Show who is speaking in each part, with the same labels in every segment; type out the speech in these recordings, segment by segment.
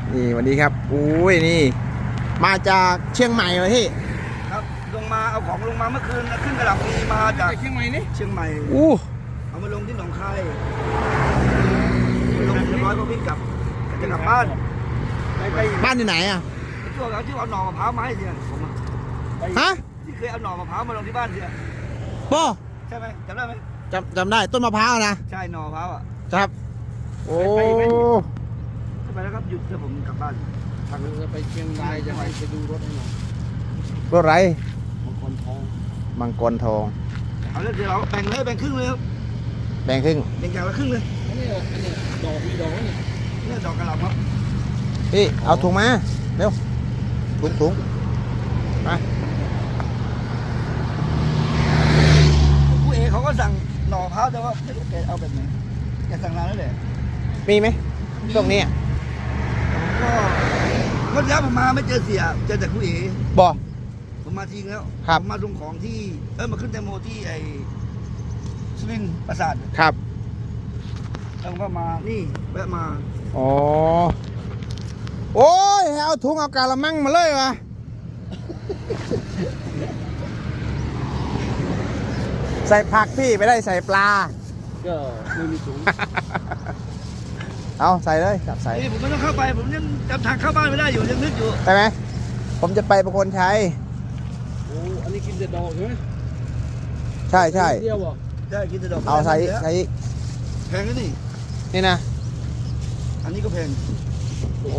Speaker 1: นี่วันนี้ครับอุ้ยนี่มาจากเชียงใหม่เลยพี่
Speaker 2: ครับลงมาเอาของลงมาเมื่อคืนขึ้นกระหล่ำปีมาจาก
Speaker 3: เชียงใหม่นี่
Speaker 2: เชียงใหม่เอามาลงที่หนองคายลงเรียบร้อยก็วิ่งกลับจะกลับบ้าน
Speaker 1: ไปบ้านที่ไหนอ่ะ
Speaker 2: ช่วงที่เอาหน่อมะพร้าวมาให้เสียผม
Speaker 1: ฮะ
Speaker 2: ที่เคยเอาหน่อมะพร้าวมาลงที่บ้านเสีย
Speaker 1: ป้อ
Speaker 2: ใช่ไหมจำได้ไหม
Speaker 1: จำได้ต้นมะพร้าวนะ
Speaker 2: ใช่หน่อมะพร้าวอ่ะ
Speaker 1: ครับโอ้
Speaker 2: ไปแล้วครับหยุดเดี๋ยวผมกลับบ้าน
Speaker 3: ทางจะไปเชียงรายจะไปดูรถให้หน่อย
Speaker 1: รถไร
Speaker 3: มังกรทอง
Speaker 2: เอาเดี๋ยวเราแบ่งครึ่งเลยครับ
Speaker 1: แบ่งครึ่ง
Speaker 2: แบ่งอย่างละครึ่งเลย
Speaker 3: อันนี้ดอกมีดอก
Speaker 2: นี่ดอกกระหล่ำครับ
Speaker 1: พี่เอาถุงมาเร็วถุงมา
Speaker 2: ผู้เอเขาก็สั่งหน่อมะพร้าวแต่ว่าไม่รู้แกเอาแบบไหนแกสั่งนานแล้วแหละ
Speaker 1: มีไหมช่วงนี้
Speaker 2: ก็แล้วผมมาไม่เจอเสียเจอแต่ผู้เอ
Speaker 1: บ่
Speaker 2: ผมมาจริงแล้วผมมาลงของที่มาขึ้นแตงโมที่ไอ้สุรินทร์ปราสาท
Speaker 1: ครับ
Speaker 2: แล้วก็มานี่แวะมา
Speaker 1: อ๋อโอ้ยเอาถุงเอากาละมังมาเลยวะใส่ผักพี่ไม่ได้ใส่ปลา
Speaker 3: ก็ไม่มีถุง
Speaker 1: เอาใส่เลยจับใส่
Speaker 2: ผมไม่ต้องเข้าไปผมยังจำทางเข้าบ้านไม่ได้อยู่ยังนึกอยู่
Speaker 1: ใช่ไหมผมจะไปประโคนชัย
Speaker 3: โอ้อันนี้กินแต่ดอกใช่ไหม
Speaker 1: ใช่
Speaker 3: เดียว
Speaker 2: ใช่กินแต่ดอก
Speaker 1: เอาใส่
Speaker 2: แพงนะ
Speaker 1: นี่นะ
Speaker 2: อันนี้ก็แพง
Speaker 1: โอ้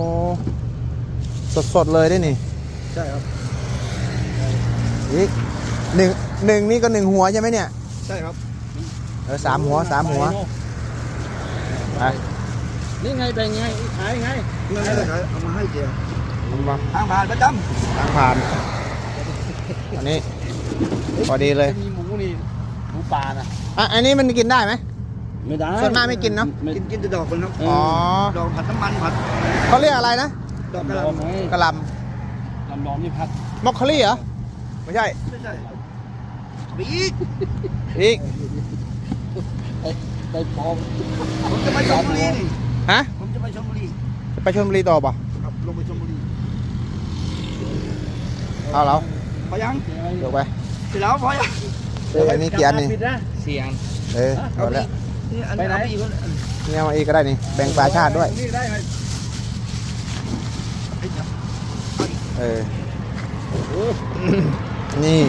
Speaker 1: สดเลยได้นี่
Speaker 2: ใช่ครับ
Speaker 1: อีกหนึ่งนี่ก็1 หัวใช่ไหมเนี่ย
Speaker 2: ใช่ครับ
Speaker 1: 3 หัวไป
Speaker 3: นี่ไงเป็นไงขายไง
Speaker 2: ไม่ได้ขายเอามาให้เจียวทางผ่านประจ
Speaker 1: ำทางผ่านอันนี้พอดีเลย
Speaker 3: มีหมูนี่หมูป่านะ
Speaker 1: อันนี้มันกินได้ไหม
Speaker 3: ไม่ได้
Speaker 1: ส่วนมากไม่กินเนาะ
Speaker 2: กินแต่ดอกมันครับ
Speaker 1: อ๋อ
Speaker 2: ดอกผัดน้ำมันผัด
Speaker 1: เขาเรียกอะไรนะ
Speaker 2: ดอกกระหล่ำ
Speaker 1: กระหล่
Speaker 3: ำดองนี่ผัด
Speaker 1: มอคคารี่เหรอไม่ใช่
Speaker 2: อีก
Speaker 3: ไปปอง
Speaker 2: ผมจะไปชลบุรีนี่
Speaker 1: ฮะ
Speaker 2: ผมจะไปชลบุรี
Speaker 1: ไปชลบุรีต่อป่ะ
Speaker 2: ครับลงไปชลบุรี
Speaker 1: เอาแล้ว
Speaker 2: พอยัง
Speaker 1: เดี๋ยวไป
Speaker 2: เสร็จแล้วพอยัง
Speaker 1: อันนี้กี่อันนี่
Speaker 3: เสียง
Speaker 1: เอาแล้ว
Speaker 2: ไปไหน
Speaker 1: นี่เอามาอีกก็ได้นี่แบ่งปลาชาติด้วยนี่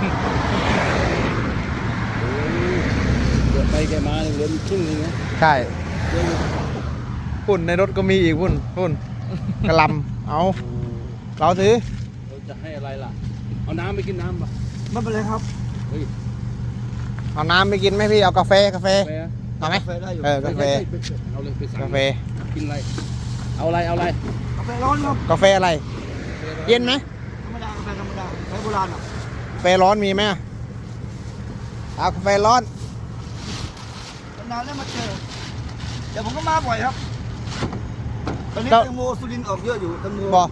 Speaker 3: ไปแกมาเหลือครึ่งนึงนะ
Speaker 1: ใช่พุ่นในรถก็มีอีกพุ่นกระลำเอาเราถือ
Speaker 3: เราจะให้อะไรล่ะเอาน้ำไปกินน้ำป่ะ
Speaker 2: ไม่เป็นไรครับ
Speaker 1: เอาน้ำไปกินไหมพี่เอากาแฟเอาไหม
Speaker 2: กาแฟได้อยู่
Speaker 1: กาแฟ
Speaker 3: เอาเลยไปสั่ง
Speaker 1: กาแฟ
Speaker 3: กินอะไรเอาอะไร
Speaker 2: กาแฟร้อนครับ
Speaker 1: กาแฟอะไรเย็นไหม
Speaker 2: ธรรมดากาแฟธรรมดาใช้โบราณอ่ะ
Speaker 1: กาแฟร้อนมีไหมเอากาแฟร้อน
Speaker 2: นานแล้วมาเจอเดี๋ยวผมก็มาบ่อยครับตอนนี้แตงโมสุรินทร์ออกเยอะอยู่แตงโม
Speaker 1: บอก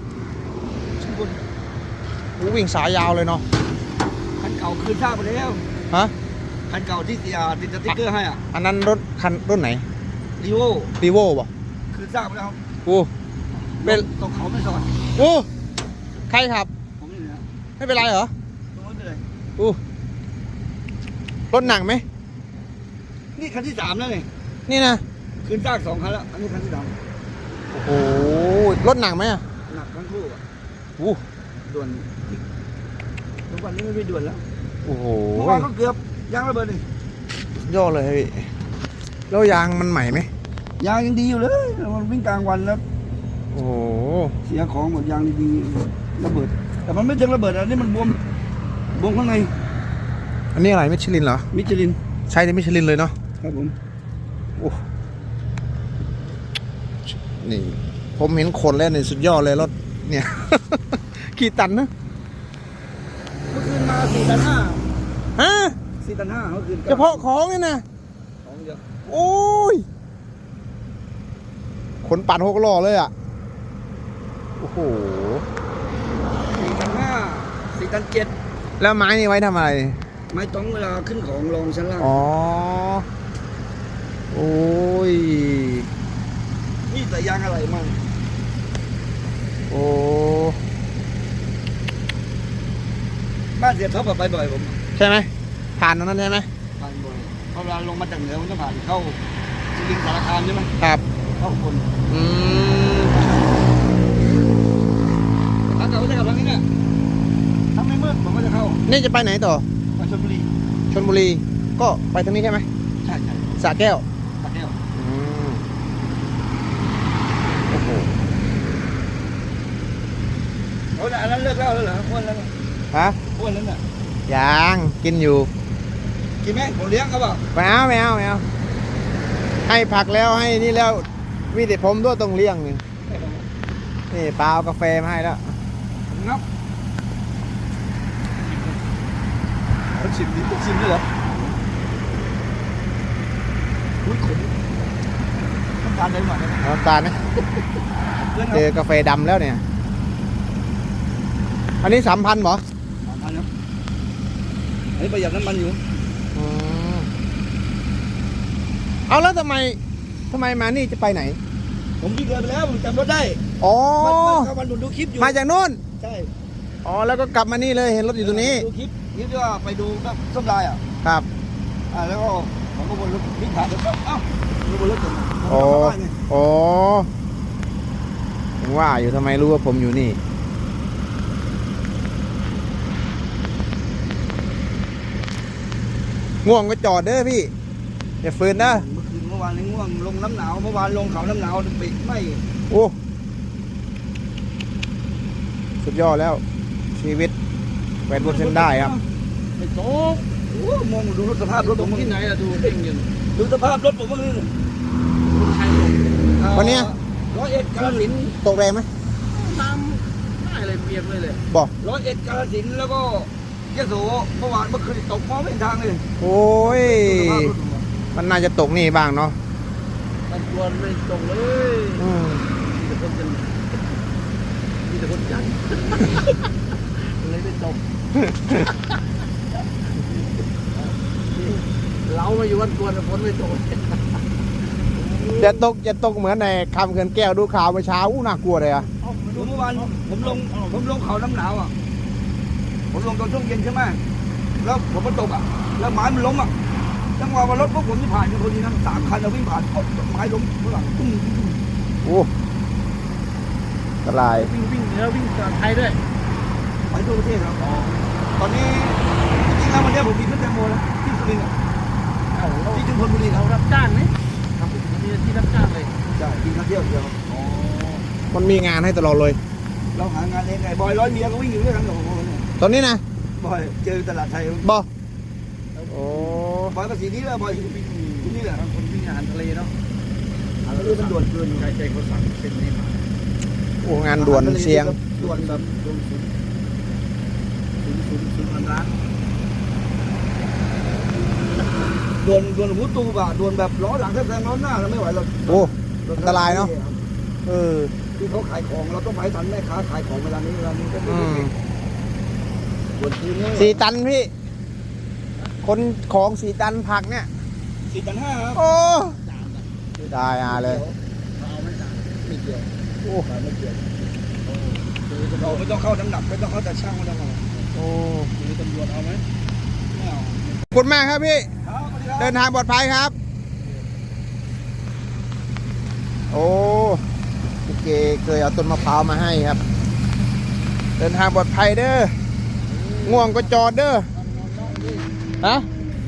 Speaker 1: วิ่งสายยาวเลยเนาะ
Speaker 2: คันเก่าคืนซากไปแล้ว
Speaker 1: ฮะ
Speaker 2: คันเก่าที่ติดสติ๊กเกอร์ให้อ่ะ
Speaker 1: อันนั้นรุ่นไหน
Speaker 2: รีโว
Speaker 1: ป่ะ
Speaker 2: คืนซากไปแล้ว
Speaker 1: เป็น
Speaker 2: ตกเขาไม่สอด
Speaker 1: ใครขับ
Speaker 2: ผมนี่นะ
Speaker 1: ไม่เป็นไรเหรอ
Speaker 2: ไม่เป็นไร
Speaker 1: รถหนักไหม
Speaker 2: นี่คันที่3แล้ว
Speaker 1: นี่นะ
Speaker 2: คืนซาก2 คันแล้วอันนี้คันที่3
Speaker 1: โอ้รถหนักไหม
Speaker 2: หนักทั้งคู่อ่ะด่วนทุกวันนี้ไม่ด่วนแล้ว
Speaker 1: โอ้โห
Speaker 2: เมื่อวานก็เกือบยางระเบิดนี่
Speaker 1: ย่อเลยพี่แล้วยางมันใหม่ไหม
Speaker 2: ยางยังดีอยู่เลยมันวิ่งกลางวันแล้ว
Speaker 1: โอ้โห
Speaker 2: เสียของหมดยางดีๆระเบิดแต่มันไม่ถึงระเบิดอันนี้มันบวมข้างใน
Speaker 1: อันนี้อะไรมิชลินเหรอ
Speaker 2: มิชลิน
Speaker 1: ใช่ในมิชลินเลยเนาะ
Speaker 2: ครับผม
Speaker 1: นี่ผมเห็นคนแล้วนี่สุดยอดเลยรถเนี่ยกี่ตันนะ
Speaker 2: เมื่อคืนมา4 ตัน 5
Speaker 1: ฮะ
Speaker 2: 4 ตัน 5เมื่อคืน
Speaker 1: เฉพาะของนี่นะ
Speaker 2: ของเยอะ
Speaker 1: โอ้ยขนปั่น6 ล้อเลยอ่ะโอ้โห
Speaker 2: 4 ตัน 5 4 ตัน 7
Speaker 1: แล้วไม้นี่ไว้ทำอะไร
Speaker 2: ไม้ต้องเวลาขึ้นของรองชั้นล่าง
Speaker 1: อ๋อโอ้ย
Speaker 2: นี่แต่ยางอะไรมั่ง
Speaker 1: โอ้
Speaker 2: บ้านเสียท็อปอะไปบ่อยผม
Speaker 1: ใช่ไหมผ่านตรงนั้นใช่ไหม
Speaker 2: ผ่านบ่อยเพราะเวลาลงมาจากเหนือมันต้องผ่านเข้าสุรินทร์สารคามใช่ไหม
Speaker 1: ครับ
Speaker 2: เข้าคน
Speaker 1: อืม
Speaker 2: ถ้าเกิดว่าจะกลับทางนี้เนี่ยถ้าไม่มืดผมก็จะเข้า
Speaker 1: นี่จะไปไหนต่อ
Speaker 2: ไปชลบุรี
Speaker 1: ชลบุรีก็ไปทางนี้ใช่ไหม
Speaker 2: ใช่ใช่
Speaker 1: สระแก้ว
Speaker 2: สระแก้ว
Speaker 1: อืมโอ้โห
Speaker 2: เอาแต่อันนั้นเลิกแล้วเหรออ้วนแล้วน่ะ
Speaker 1: ฮะ
Speaker 2: อ้วนแล้วน่ะ
Speaker 1: ยังกินอยู่
Speaker 2: กินไหมผมเลี้ยงเขาเปล่า
Speaker 1: ไม่เอาไม่เอาไม่เอาให้ผักแล้วให้นี่แล้วมีแต่ผมด้วยต้องเลี้ยงนี่นี่ปลาเอากาแฟมาให้แล้ว
Speaker 2: งับมันชิมดิชิมด้วยเหรออุ้ยขมน้ำตาลเลยหน่อยได้ไหม
Speaker 1: น้ำตาลนะ
Speaker 2: เพื่อน
Speaker 1: เจอกาแฟดำแล้วเนี่ย อันนี้3,000เหรอ
Speaker 2: เอาเนาะอันนี้ประหยัดน้ำมันอยู่
Speaker 1: อืมเอาแล้วทำไมมานี่จะไปไหน
Speaker 2: ผมวิ่งเลยไปแล้วผมจำรถได้
Speaker 1: อ๋อ
Speaker 2: มันเข้ามาดูคลิปอยู่
Speaker 1: มาจากนู่น
Speaker 2: ใช่
Speaker 1: อ๋อแล้วก็กลับมานี่เลยเห็นรถอยู่ตรงนี้
Speaker 2: ดูคลิปที่ว่าไปดูก็ส้มลายอ่ะ
Speaker 1: ครับ
Speaker 2: แล้วก็ผมก็วนรถวิ่งผ่านแล้วก็เอ้าวนรถกัน
Speaker 1: อ๋ออ๋อผมว่าอยู่ทำไมรู้ว่าผมอยู่นี่ ง่วงก็จอดเด้อพี่อย่าฝืนนะ
Speaker 2: เมื่อคืนเมื่อวานนี้ง่วงลงน้ำหนาวเมื่อวานลงเขาน้ำหนาวปิดไม่
Speaker 1: โอ้สุดยอดแล้ว ชีวิตแหวนบนเส้นได้ครับ
Speaker 3: ไม่โตก
Speaker 2: โอ้มองดูรถสภาพรถ
Speaker 3: ต
Speaker 2: ผ
Speaker 3: รง
Speaker 2: ม
Speaker 3: ที่ไหนอะดูเพ่งอยู่
Speaker 2: ดูสภาพรถผมเมื่อคืน
Speaker 3: คนไทยลง
Speaker 1: วันเนี้ย
Speaker 2: 101กาฬสินธุ์
Speaker 1: ตกแรงไหม
Speaker 3: น้ำได้เลยเปียกเลย
Speaker 1: บอก
Speaker 2: 101กาฬสินธุ์แล้วก็ยโสเมื่อวานเมื่อคืนตกมองไม่เห็นทางเลย
Speaker 1: โอ้ย
Speaker 2: ดูสภาพรถผมอะ
Speaker 1: มันน่าจะตกนี่บ้างเนาะ
Speaker 3: มันตัวไม่ตรงเลย
Speaker 1: อืม
Speaker 3: มีแต่คนจันมีแต่คนจันเลยไม่ตรงเรามาอยู่วันกวนฝนไม่ตก
Speaker 1: จะตกเหมือนในคำเขื่อนแก้วดูข่าวเมื่อเช้าอู้น่ากลัวเลยอะ
Speaker 2: ดูเมื่อวานผมลงเขาน้ำหนาวอ่ะผมลงตอนช่วงเย็นใช่ไหมแล้วผมมันตกอ่ะแล้วไม้มันล้มอ่ะจังหวะว่ารถพวกผมที่ผ่านกันพอดีนะ3 คันเราวิ่งผ่านไม้ล้มข้างหลังตุ้ม
Speaker 1: โอ้อันตราย
Speaker 3: วิ่งแล้ววิ่งจากไทยด้วย
Speaker 2: ไปทั่วประเทศครับตอนนี้จริงๆแล้ววันนี้ผมมีขึ้นแตงโมแล้วที่สุรินทร์อะ
Speaker 3: เอาเรา
Speaker 2: ที่ชุมพลบุรี
Speaker 3: เรา
Speaker 2: เรา
Speaker 3: รับจ้างไหมครับมีที่รับจ้างเลย
Speaker 2: ใช่กินข้าวเที่ยวเดียว
Speaker 3: อ๋อ
Speaker 1: มันมีงานให้ตลอดเลย
Speaker 2: เราหางานเองไงบอยร้อยเมียก็วิ่งอยู่ด้วยกันกับผมเนี่ย
Speaker 1: ตอนนี้นะ
Speaker 2: บอยเจอตลาดไทย
Speaker 1: บอโอ้
Speaker 2: บอยก็สีนี้แหละบอยที่นี่แหละ
Speaker 3: คนวิ่งอาหารทะเลเนาะ
Speaker 2: อันนี้มันด่วนเกิน
Speaker 3: ใครใจเขาสั่งเส้นนี้มา
Speaker 1: โอ้งานด่วนเสียง
Speaker 2: ด่วนแบบ
Speaker 3: ลงทุนพันล้าน
Speaker 2: ด่วนหูตูบอ่ะด่วนแบบล้อหลังแทบแซงล้อหน้าเราไม่ไหวเรา
Speaker 1: โอ้อันตรายเนาะเออ
Speaker 2: ที่เขาขายของเราต้องไปทันแม่ค้าขายของเวลานี้ก็ไม่
Speaker 1: อื
Speaker 2: ได้
Speaker 1: ม
Speaker 2: ด่วนคืนนี้
Speaker 1: 4 ตันพี่ คนของ4 ตันผักเนี่ย
Speaker 2: 4,500ครับ
Speaker 1: โอ้
Speaker 3: จานนะ
Speaker 1: ได้อาเลย
Speaker 3: เราเอาไม่จาน
Speaker 2: ไม่เกี่ยว
Speaker 1: โอ้
Speaker 2: ไม่เกี่ยว
Speaker 3: คือตำร
Speaker 2: เรา
Speaker 3: วจ
Speaker 2: ไม่ต้องเข้าน้ำหนักไม่ต้องเข้าแต่ช่างไม่ต้องเข้า
Speaker 1: โอ้
Speaker 3: คือตำรวจเอาไหม
Speaker 2: ไม่เอา
Speaker 1: ขอบคุณมากครับพี่
Speaker 2: ครับสวัสดีครับ
Speaker 1: เดินทางปลอดภัยครับ โอ้พี่เกเคยเอาต้นมะพร้าวมาให้ครับ เดินทางปลอดภัยเด้อ ง่วงก็จอดเด้อ ฮะ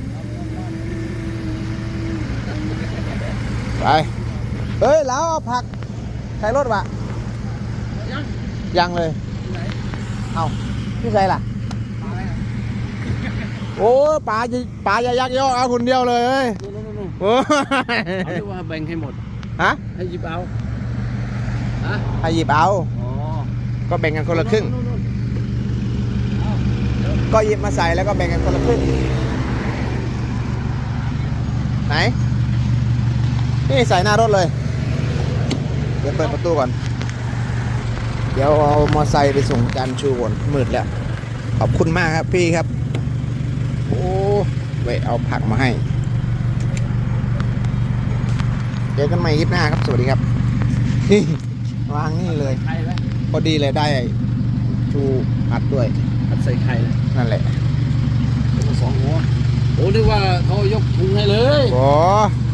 Speaker 1: ไป เฮ้ย แล้วเอาผักใส่รถวะ
Speaker 3: ยัง
Speaker 1: ยังเลย
Speaker 3: ที่ไหน
Speaker 1: เอาพี่ใส่ล่ะ
Speaker 3: มาอะไรอ่ะ
Speaker 1: โอ้ป๋าจะยักยอกเอาคนเดียวเลยเอ้ย
Speaker 3: นู่น
Speaker 1: โอ้ย
Speaker 3: เขาเรียกว่าแบ่งให้หมด
Speaker 1: ฮะ
Speaker 3: ให้หยิบเอาฮะ
Speaker 1: ให้หยิบเอา
Speaker 3: อ๋อ
Speaker 1: ก็แบ่งกันคนละครึ่ง
Speaker 3: นู่นเอาเดี๋ยว
Speaker 1: ก็หยิบมาใส่แล้วก็แบ่งกันคนละครึ่ง ไหน นี่ใส่หน้ารถเลย เดี๋ยวเปิดประตูก่อน เดี๋ยวเอามอไซค์ไปส่งจานชูก่อนมืดแล้ว ขอบคุณมากครับพี่ครับ โอ้เว้ยเอาผักมาให้ เจอกันใหม่คลิปหน้าครับ สวัสดีครับ นี่วางนี่เลย
Speaker 3: ไทยไหม
Speaker 1: พอดีเลยได้ชูอัดด้วย
Speaker 3: อัดใส่ไข่เลย
Speaker 1: นั่นแหละ
Speaker 3: แล้วก็2 หัวโอ้นึกว่าเขายกถุงให้เลย
Speaker 1: โอ้